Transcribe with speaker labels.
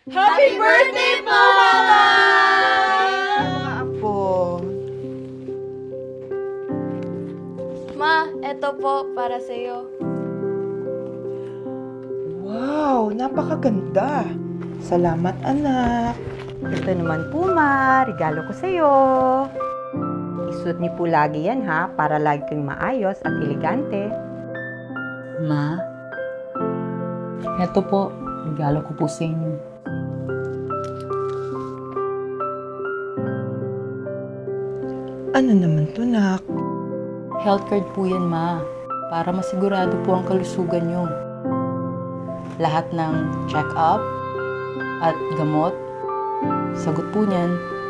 Speaker 1: Happy birthday po, Mama!
Speaker 2: Mga apo.
Speaker 1: Ma, eto po para sa'yo.
Speaker 2: Wow, napakaganda. Salamat, anak.
Speaker 3: Ito naman po, Ma. Regalo ko sa'yo. Isuot niyo po lagi yan, ha? Para lagi kang maayos at elegante.
Speaker 4: Ma, eto po, regalo ko po sa inyo.
Speaker 2: Ano naman to, nak?
Speaker 4: Health card po yan, Ma. Para masigurado po ang kalusugan nyo. Lahat ng check-up at gamot, sagot po niyan